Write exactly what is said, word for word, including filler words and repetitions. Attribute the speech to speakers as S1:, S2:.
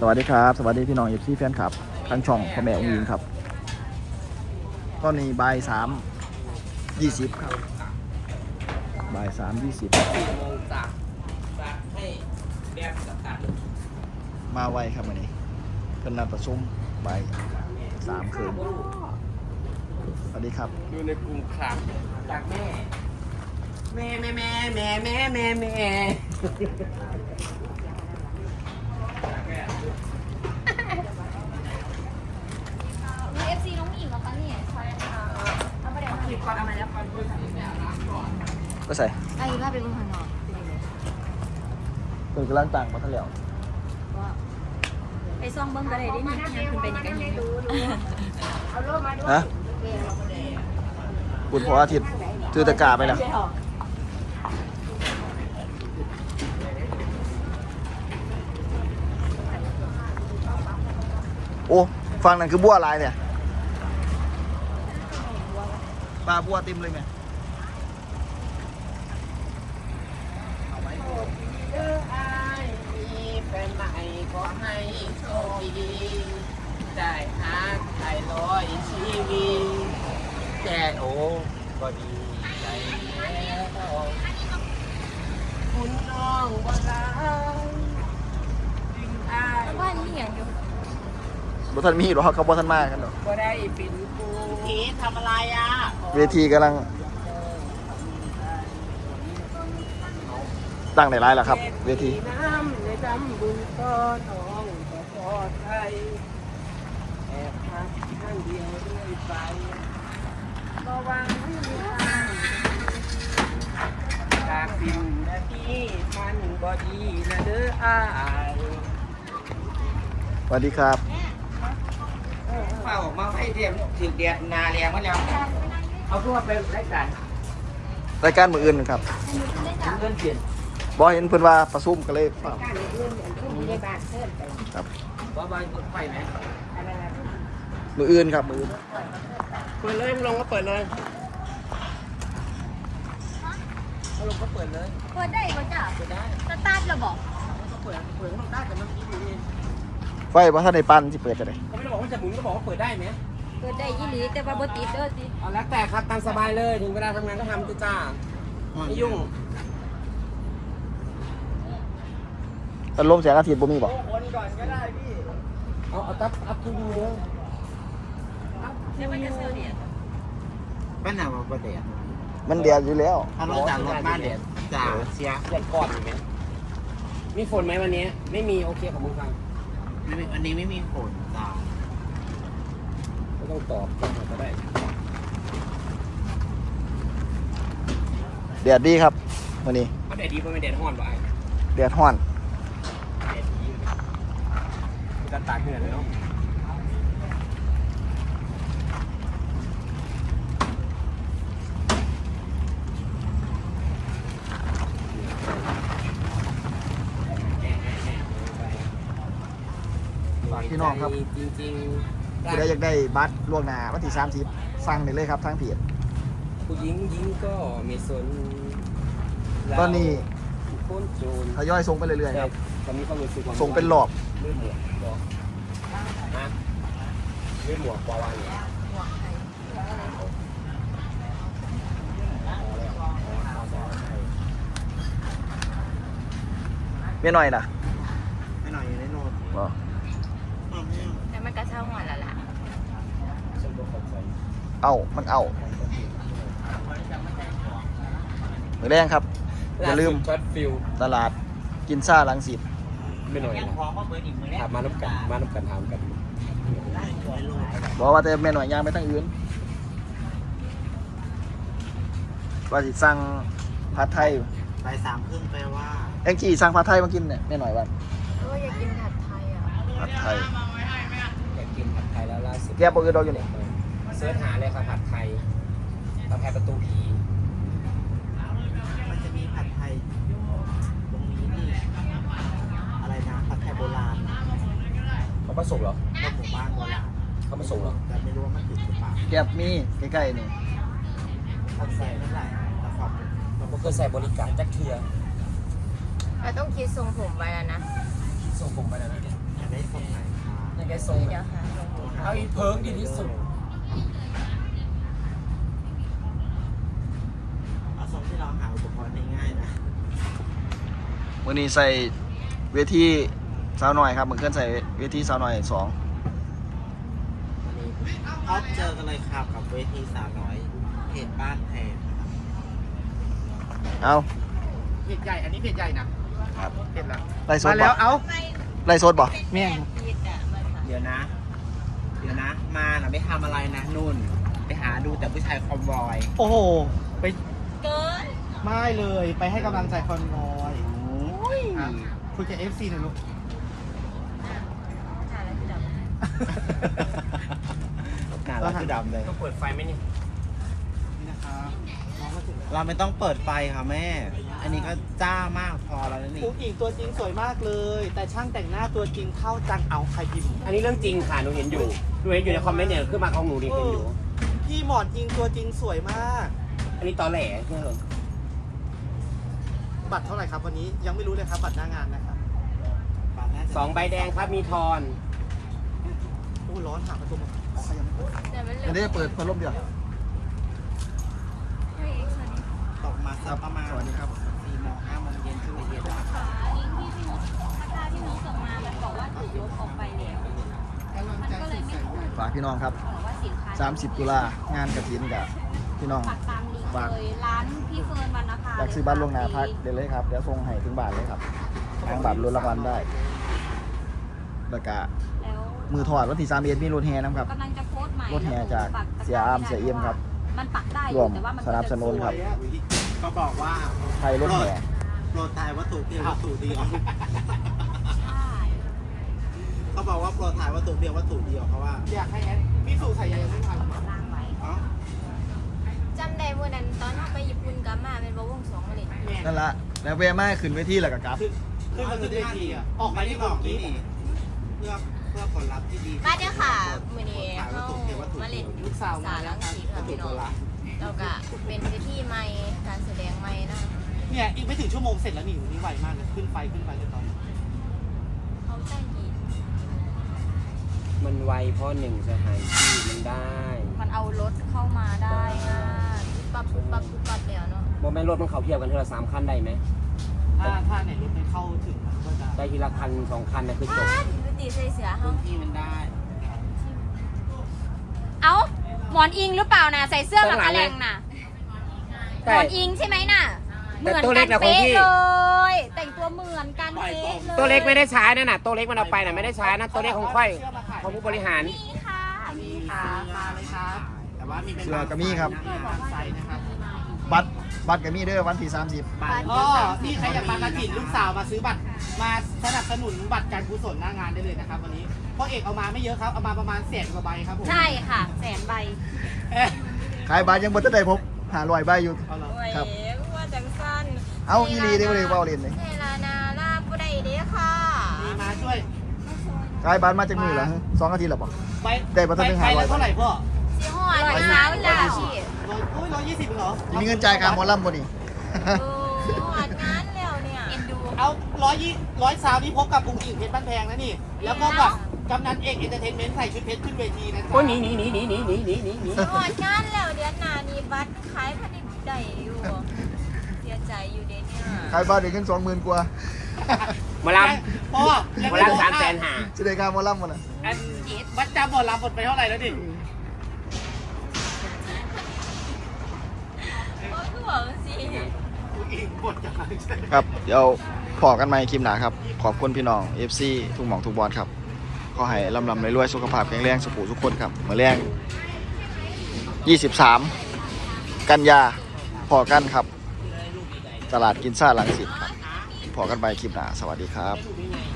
S1: สวัสดีครับสวัสดีพี่น้องเอฟซีแฟนคลับทั้งช่องพ่อแม่องค์หญิงครับตอนนี้บ่ายสามยี่สิบครับบ่ายสามยี่สิบ
S2: สี่โมงจากจากให้แบบกับตัด
S1: มาไวครับวันนี้เพิ่นนัดประชุมบ่ายสามคืนสวัสดีครับ
S2: อยู่ในกลุ่มครับจากแม่แม่แม่แม่แม่แม่แม่แม่
S3: มีเอฟซีน้องหญิงเหรอคะเนี่ยใช่ค่ะเอาไปเดี๋ยวขีดก่อนเอามาแล้วก่อน
S1: ก็ใส่
S3: ไอ้ภาพเป็นคนข้างนอก
S1: เพิ่นกำลังต่างมาทั้งแล้ว
S3: ไปซ่องเบิ้งก็ได้ดินี่ยังคุณเป็นยังไงอยู่
S1: ฮะคุณพออาทิตย์ถือตะกร้าไปแล้วโอ้ฟังนั่นคือบัวลายเนี่ยปลาบัวเต็มเลยไหม
S2: เออไอ้มีแฟนใหม่ขอให้โชคดีได้หาไทยร้อยชีวิตแก่โอ้ก็ดีใจแล้วคุณน้องบ่รักจึงอาย
S3: ว่านี่อย่างอยู่
S1: รถท่านมีหรอเขาบอท่านมากกันหรอ
S2: ก็ได้เป็นกูทีทำอะไรอ่ะ
S1: เวทีกำลังตั้งในร้ายแล้วครับเวที
S2: น้ำในดำบุญก้อนทองก็ปลอดภัยแอบพักข้างเดียวเรื่อยไประวังไม่มีทางจากสิ่งนาทีมันก็ดีนะเด้ออ้าย
S1: สวัสดีครับ
S2: เฝ้ามาให้เรียมถึงเดียดนาแรงมาแล้วเอาทั่วไปรายการ
S1: รายการมืออื่นครับ
S2: เงินเปลี่ยน
S1: บอเห็นเพิ่นว่าประชุมกันเลยเปล่าครับ
S2: ว่าใบเปิดไฟไหม
S1: มืออื่นครับมืออื่น
S2: เปิดเลยลงก็เปิดเลยลงก็เปิดเลย
S3: เปิดได้ป่ะจ้ะ
S2: เปิดได้
S3: สตาร์ทระบอก
S2: ก็เปิดเปิดข้างใต้แต่มันคิดอยู่นี่
S1: ไฟว่าท่านในปั้นที่เปิดจะได้
S2: เขาไม่ได้บอกว่าจะหมุนก็บอกว่าเปิดได้ไหม
S3: เปิดได้ยี่หลีแต่ว่าบ่ติดเด้อติด
S2: เอาแล้วแต่ครับตามสบายเลยถึงเวลาทำงานก็ทำจ้าจ้าไม่ยุ่ง
S1: ตอนลมแสงอาทิตย์บ่มีบ่
S2: คนก่อนก็ได้พี่เอาเอาตับอัพทูดูเลย
S3: แล้วมันจะเสือเดียด
S4: บ้านไหนมาประเดี๋ยว
S1: มันเดียดอยู่แล้ว
S4: ถ้าเราจากรถบ้านเดี๋ยวจ่าเสีย
S2: เดือนก่อนไหมมีฝนไหมวันนี้ไม่มีโอเคของมึงฟัง
S4: ไม่มีอันนี้ไม่มีฝนจ่า
S2: ไม่ต้องตอบก็ได้
S1: เดียดดีครับวันนี้
S2: เขาแดดดีเพราะไม่แดดห้อนป่ะ
S1: เดียดห้อน
S2: แดดดีจะตากเหงื่อเลยเนาะ
S1: ฝากพี่น้องครับ
S2: จริงๆ
S1: ผู้ใดอยากได้บัตรล่วงหน้าวันที่สามสิบสั่งได้เลยครับทางเพจ
S2: ผู้หญิงยิงก็ไม่สน
S1: ตอนนี้
S2: คนโจร
S1: ทยอยส่งไปเรื่อยๆครับ
S2: ตอนนี้เขารู้สึกว่า
S1: ส่งเป็นหลอบ
S2: เลื่อนหมวกบอกนะเลื่อนหมวกปอวันเนี่ย
S1: เมียหน่อยนะ
S4: ไม่หน่อยอยู่ในโน้ต
S1: บ่
S3: แต่มันก็เช่าหัวละล่ะ
S2: ฉันก็เข้าใจ
S1: เอ้ามันเอ้ามือแรงครับอย่าลืม
S2: ช็อตฟิล
S1: ตลาดกินซ่าลังสิต
S2: ไม่หน่อย
S4: ยัง
S2: นะ
S4: ขอมาเบอร์อีกมือแรก
S2: ถามมาน้ำกันมาน้ำกันถามกัน
S1: บอกว่าแต่แม่หน่อยย่างไปทางอื่นว่าสิสั่งผัดไทย
S4: ไปสามครึ่งแปลว่า
S1: แองจี้สั่งผัดไทยมากินเนี่ยแม่หน่อยวัน
S3: เอออยากกินผัดไทยอ่ะ
S1: ผัดไทย
S2: อยากกินผัดไทยแล้วล่าสุด
S1: แกบอกคือเราอยู่นี่
S2: เสิร์ชหาเลยครับผัดไทยผัดไทยประตูผี
S4: มันจะมีผัดไทยตรงนี้นี่อะไรนะผัดไทยโบราณ
S2: เขามาส่งเหรอ
S4: ก็หมู่บ้านโบราณ
S2: เขามาส่งเหรอ
S4: แต่ไม่รู้ว่ามันถึงหรือเปล่า
S1: แกบมีใกล้ๆนี่
S4: ผัดใส่เท่าไหร่แต่ความ
S2: เราก็เคยใส่บริการจักเทีย
S3: เราต้องคิดทรงผมไว้แล้วนะ
S2: ส่งผมไปแล้วนะ
S4: ได้ทรงไหนคะ
S2: ยังไงทรง
S3: เดี๋ยวค่ะลงดู
S2: เอาอีเพิงดีที่สุด
S4: เอาทรงที่เราหาอุปกรณ์ง่ายๆนะ
S1: วันนี้ใส่เวทีสาวหน่อยครับเหมือนเคลื่อนใส่เวทีสาวหน่อยสอง
S4: วันนี้พบเจอกันเลยครับกับเวทีสาวน้อยเพจบ้านแพงนะครับ
S1: เอา
S2: เพจใหญ่อันนี้เพจใหญ่นะครับ เพจละ
S1: ไล่สด
S2: มา
S1: บ่
S2: แล้วเอา
S1: ไล่สดบ่
S2: แม่ง
S4: เดี๋ยวนะ เดี๋ยวนะ มาน่ะไม่ทำอะไรนะนุ่น ไปหาดูแต่ผู้ชายคอมบอย
S2: โอ้โหไป
S3: เกิน
S2: ไม่เลยไปให้กำลังใจคอนวอย
S4: โอ้ย
S2: ครับคุยกับ เอฟ ซี หน่อยลูก
S3: ถ่ายแล้วคือดำ
S4: หน้าเราคือดำเลย
S2: ต้องเปิดไฟไหมนี่นี่นะครับน้องมาถึงแล้ว
S4: เราไม่ต้องเปิดไฟค่ะแม่ อันนี้ก็จ้ามากพอแล้วนะนี่
S2: ผู้หญิงตัวจริงสวยมากเลย แต่ช่างแต่งหน้าตัวจริงเท่าจังเอาใครพิมพ์
S5: อันนี้เรื่องจริงค่ะ หนูเห็นอยู่ หนูเห็นอยู่ในคอมเมนต์เนี่ยขึ้นมาของหนูดิเห็นอยู่
S2: พี่หมอนอิงตัวจริงสวยมาก
S5: อันนี้ตอแหลเออ
S2: บัตรเท่าไหร่ครับวันนี้ยังไม่รู้เลยครับบัตรหน้างานนะครับ
S5: สองใบแดงครับ มีทอน
S2: โอ้ร้อนหาประตูมาอ๋อใครยังไม่เปิด
S3: เดี๋ยวมันเหลื
S1: อัน
S3: อ
S1: นี้เปิดพัดลมเดียว
S3: ให้เอ็กซ์นี่
S4: ตกมาสักประมาณ
S1: สวัสดีครับ
S4: สี่โมงห้าโมงเย็นขึ้นไปเย็นแล้ว
S3: ค่ะลิงก์ที่พี่นุชพัฒนาที่นุชส่งมา มันบอกว่าถูกลบออกไปแล้วมันก็เลยไม่ถูก
S1: ฝากพี่น้องครับ
S3: บอกว่าสินค้า
S1: สามสิบตุลางานกฐินกับพี่น้อง
S3: ฝากตามลิงก์เลยร้านพี่เฟิร์นวันนะคะ
S1: อยากซื้อบัตรลวงหน้าพักเดี๋ยวเลยครับเดี๋ยวส่งให้ถึงบ้านเลยครับทางบัตรรุ่นรางวัลได้แล้วก็
S3: แล้ว
S1: มือถอดวันที่สามเอ็ดมีรถแห่นะครับ
S3: กำลังจะโพสต์ใหม่
S1: รถแห่จากเสียอามเสียเอี่ยมครับ
S3: มันปักได้อ
S1: ร่ว
S3: ยู่
S1: ม
S3: แต่ว่ามัน
S1: สนับสนุนครับ
S4: ก็บอกว่า
S1: ไทยรถแห่
S4: โปรดทายวัตถุเพียงวัตถุเดียว
S3: ใช่
S4: เขาบอกว่าโปรดทายวัตถุเพียงวัตถุเดียวเพราะว่า
S2: อยากให้แอดพี่สู่ใส่ยังไม่ทัน
S3: ล่างไว้
S4: เอ้า
S3: จำได้วันนั้นตอนเราไปญี่ปุ่นกลับมาเป็นบวงสองเลย
S2: แม่
S1: นั่นละแล้วเวมาขึ้นเวทีแล้วก็กลับ
S2: คือขึ้นมาขึ้นเวทีอ่ะออกไปที่
S4: บบ อ
S2: อก ก
S4: นี่
S2: นี้
S4: เพื่อเพื่อผลลัพธ์ที่ดี
S3: มาเด้อค่ะมือนี้
S4: ถ่ายวั
S3: เขา
S4: ตถุเพียงวัตถุ
S3: มา
S4: เดี
S3: เล่
S4: ย
S3: น
S4: ว
S3: ยุคสาวลังสีค่ะ
S4: วัตถุ
S3: พี่
S4: โบ
S3: น้อง
S4: ราณ
S3: แล้วก็เป็นเวทีใหม่การแสดงใหม่นะ
S2: เนี่ยอีกไม่ถึงชั่วโมงเสร็จแล้วนี่อยู่นี่ไวมากเลยขึ้นไฟขึ้นไฟเลยตอนนี้
S3: เขาจ้างกี่
S5: มันไวเพราะหนึ่งสถานที่มันได้
S3: มันเอารถเข้ามาได้ง่ายปั๊บปุ๊บปั๊บปุ๊บปั๊บแล้วเนาะ
S5: โมแม่นรถมันเขาเทียบกันเท่าละสามคันได้ไหม
S2: ถ้าถ้าไหนรถไม่เข้าถึงมันก็จะ
S5: ได้ทีละคันสองคันนะคือจบ
S3: อ้าวดูตีใส่เสือเฮา
S4: ที่มันได้
S3: เอ้าหมอนอิงหรือเปล่านะใส่เสื้อกับกระแลงน่ะหม
S5: ใช่
S3: อนอิงใช่ไหมน่ะเห
S5: แต่
S3: มือน
S5: ตัวเล็
S3: กั
S5: ก
S3: น
S5: นะของ
S3: เป๊ะ
S5: พี่
S3: เลย แต่งตัวเหมือนกันเป๊ะเลย
S5: ตัวเล็กไม่ได้ใช้นั่นน่ะ ตัวเล็กมันเอาไปน่ะไม่ได้ใช้นะ ตัวเล็กของค่อยของผู้บริหาร
S3: นี่ค่ะนี่ค่ะ
S2: มาเลยครับ
S4: แต่ว่ามีเป็น
S1: เสื้อก็มีครับ
S2: ใส่นะครับ
S1: บัตรบัตรก็มีเด้อวันที่สามสิบ
S4: บัตร
S2: อ๋อนี่ใครอยากมากระถิ่นลูกสาวมาซื้อบัตรมาสนับสนุนบัตรการกุศลหน้างานได้เลยนะครับวันนี้เพราะเอกเอามาไม่เยอะครับเอามาประมาณแสนกว่าใบครับผม
S3: ใช่ค่ะ แสนใบ
S2: เอ๊ะ
S1: ขายบัตรยังบ่ทันได้ผมหาลอยใบอยู่
S2: เอาเหรอ
S1: ครับ
S3: ว่าจังสั้น
S1: เอาอีหลีได้บ่ได้เว้าเล่นเลย
S3: เซลานาลาบุได้เด้อค่ะ
S2: มีมาช่วย
S1: ขายบัตรมาจากมือเหรอฮะสองอาทิตย์แล้วบ่
S2: ใบ
S1: ได้บัตรตั้ง
S2: ใบ
S1: ห้าร้อย
S2: ละเท่าไหร่พ่อ
S3: สีหอดเลยสาวจ้าพี่
S2: ร้อยโอ้ยร้อยยี่สิบเหรอ
S1: มีเงินจ่ายค่าหมอลำบ่นี่
S3: โอ้หอดงานแล้วเนี่ยเอ็นดู
S2: เอาร้อยยี่ร้อยสาวนี่พบกับกุ้งกิ่งเพชรบ้านแพงนะนี่ แล้วก็กับกำนันเอกเอนเตอร์เทนเมนต์ใส่ชุดเพชรขึ้นเวทีนะจ๊ะ
S5: โอ้ยหนีหนีหนีหนีหนีหนีหนีหนีหนี
S3: หอดงานแล้วเดือนหน้านี้บัตรขายผลิตได้อยู่เสียใจอยู่เด้เนี่ย
S1: ขายบัตรได้เงินสองหมื่นกว่า
S5: หมาล
S2: พ่อ
S5: ำหมาลำสามแสนหา
S1: จะได้ค่าหมอลำบ่น่ะ
S2: อันวัดจำหมดลำหมดไปเท่าไหร่แล้วดิ
S3: ก็คือบอกสิ
S2: กุ้งกิ่งหมดจัง
S1: ครับเดี๋ยวพอกันใหม่คลิปหน้าครับขอบคุณพี่น้อง เอฟ ซี ทุกหม่องทุกบอลครับขอให้ลำลำรวยๆสุขภาพแข็งแรงสุขทุกคนครับมื้อแรงยี่สิบสามกันยาพอกันครับ ตลาดกินซ่าลังสิตครับพอกันไปคลิปหน้าสวัสดีครับ
S2: ลูกยังไง